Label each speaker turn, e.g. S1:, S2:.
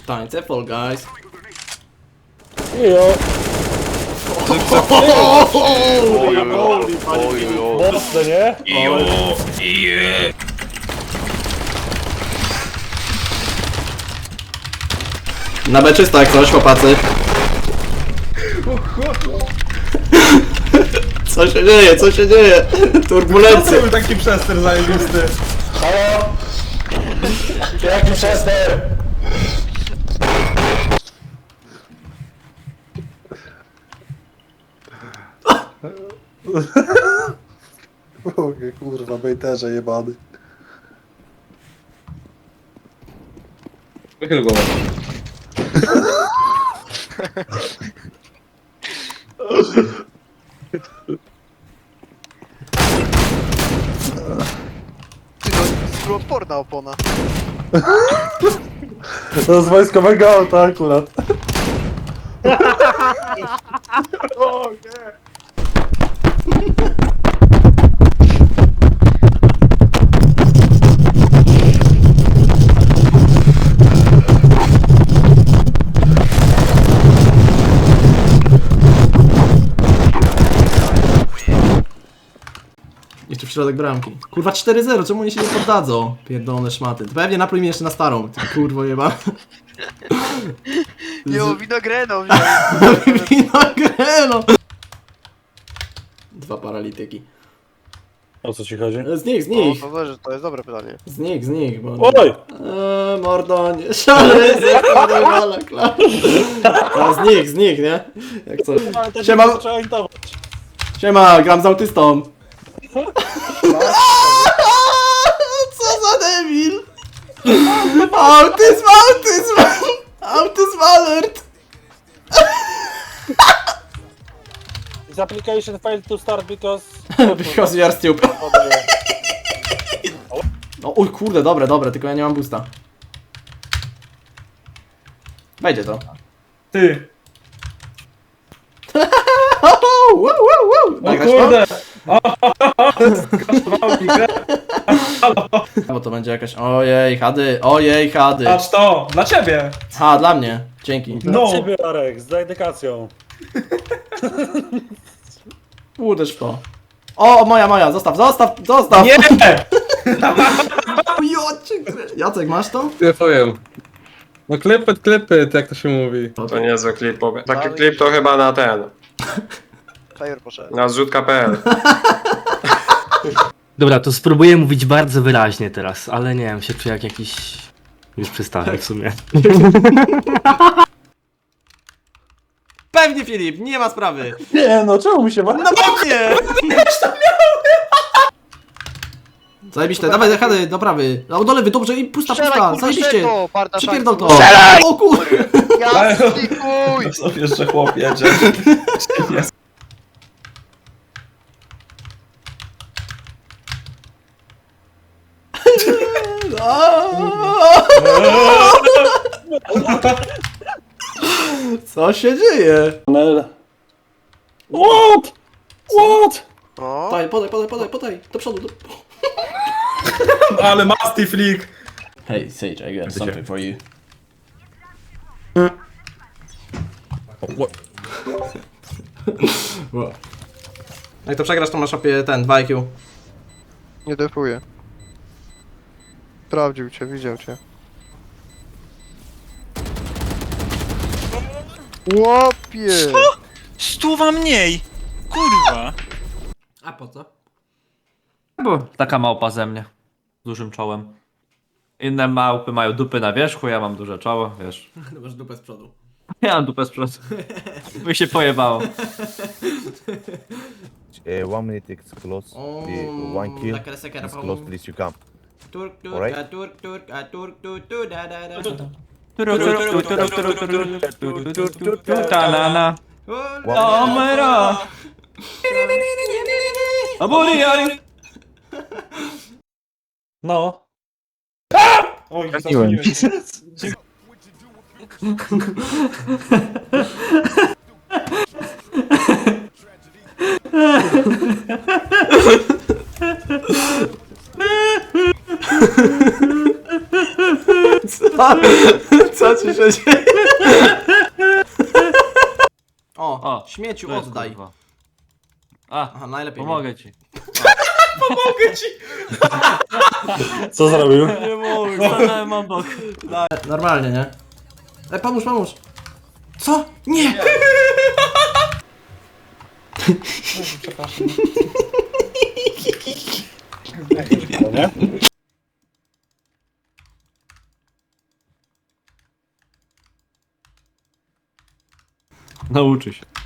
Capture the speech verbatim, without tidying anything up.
S1: Tańce Fall Guys.
S2: Jo.
S3: Ojojo.
S2: Mocne, nie?
S3: Ijo, ije.
S1: Na B czysto jak coś, chłopacy. Co się dzieje, co się dzieje? Turbulencje.
S4: był taki przester zajebisty.
S2: Halo? Jaki przester?
S5: Mogę, kurwa, bejterze jebany.
S4: Wychyl głowę.
S6: Ty no, skrótporna opona.
S5: To z wojskowego auta akurat.
S6: O nie!
S1: Jeszcze w środek bramki. Kurwa cztery zero, czemu oni się nie poddadzą? Pierdolone szmaty. To pewnie napluj mnie jeszcze na starą. Ty kurwo jeba.
S6: Jo, winogreno
S1: Winogreno! Dwa paralityki.
S2: O co ci chodzi?
S1: Z nich, z
S6: O,
S1: nich.
S6: to dobrze, to jest dobre pytanie.
S1: Z nich, z nich, bo...
S2: Oj!
S1: Eee, mordo, nie szalej, zakładaj klar. A z nich, z nich, nie? Jak co?
S2: Ale to
S1: Siema.
S2: się zaczęła intować.
S1: Siema, gram z autystą. Co za debil! Autyzm, autyzm! Autyzm alert!
S2: This application failed to start because...
S1: Because you are stupid. No, oj kurde, dobre, dobre, tylko ja nie mam boosta. Wejdzie to.
S4: Ty.
S1: Wow, wow, wow.
S4: O
S1: Nagrasz to?
S4: kurde. Skasztował mi grę.
S1: Bo to będzie jakaś... Ojej, hady, ojej, hady.
S4: Patrz to, dla ciebie.
S1: Ha, dla mnie. Dzięki.
S2: No.
S4: No.
S2: Ciebie, Arek, z dedykacją.
S1: Uderz w to. O, moja, moja, zostaw, zostaw, zostaw!
S4: Nie!
S1: Jocie, Jacek, masz to?
S4: Ja powiem. No klepet, klepet, jak to się mówi.
S3: To niezły klip. bo- Taki klip to chyba na ten.
S6: Fajer poszedł.
S3: Na zrzutka kropka pe el.
S7: Dobra, to spróbuję mówić bardzo wyraźnie teraz, ale nie wiem, się czuję jak jakiś... Już przestałem w sumie.
S1: Pewnie, Filip, nie ma sprawy.
S5: Nie no, czemu mi się ma...
S1: No pewnie! Zajebiście, dawaj, hady, do prawy. No, do lewy, dobrze, i pusta, pusta, zajebiście. Przypierdol to.
S6: Strzelaj!
S1: O kur...
S6: Jasny chuj!
S4: Co jeszcze chłop jedzie?
S1: Co się dzieje?
S2: Nel. What? What?
S6: O,
S1: Podaj, podaj, podaj, podaj, podaj, do przodu. Do...
S4: Ale masty flick.
S1: Hey, Sage, I got something for you. Wow. Jak to przegrasz, to masz opie ten, dwa I Q.
S6: nie defuję. Sprawdził cię, widział cię. Łopie!
S8: Stuwa mniej! Kurwa!
S1: A po co?
S9: Bo taka małpa ze mnie. Z dużym czołem. Inne małpy mają dupy na wierzchu, ja mam duże czoło, wiesz.
S1: No masz dupę z przodu.
S9: Ja mam dupę z przodu. Mi się pojebało.
S10: Uh, one minute is close. The one kill is close. Please, you come.
S1: Turk, turk,
S10: Alright.
S1: a turk, turk, a turk, tu, tu, da, da, da.
S9: Ta-na-na. Omera! Aburiari!
S2: No.
S4: Oj,
S5: Zasłoniłem.
S1: Co? Co ci się dzieje? O,
S9: O,
S1: śmieciu,
S9: Tu jest,
S1: oddaj.
S9: kurwa. A,
S1: Aha, najlepiej nie.
S9: pomogę ci.
S1: Pomogę ci!
S5: Co zrobił?
S9: Nie mogę, stanąłem obok.
S1: Normalnie, nie? Ej, pomóż, pomóż! Co? Nie!
S2: nie?
S9: Nauczy się.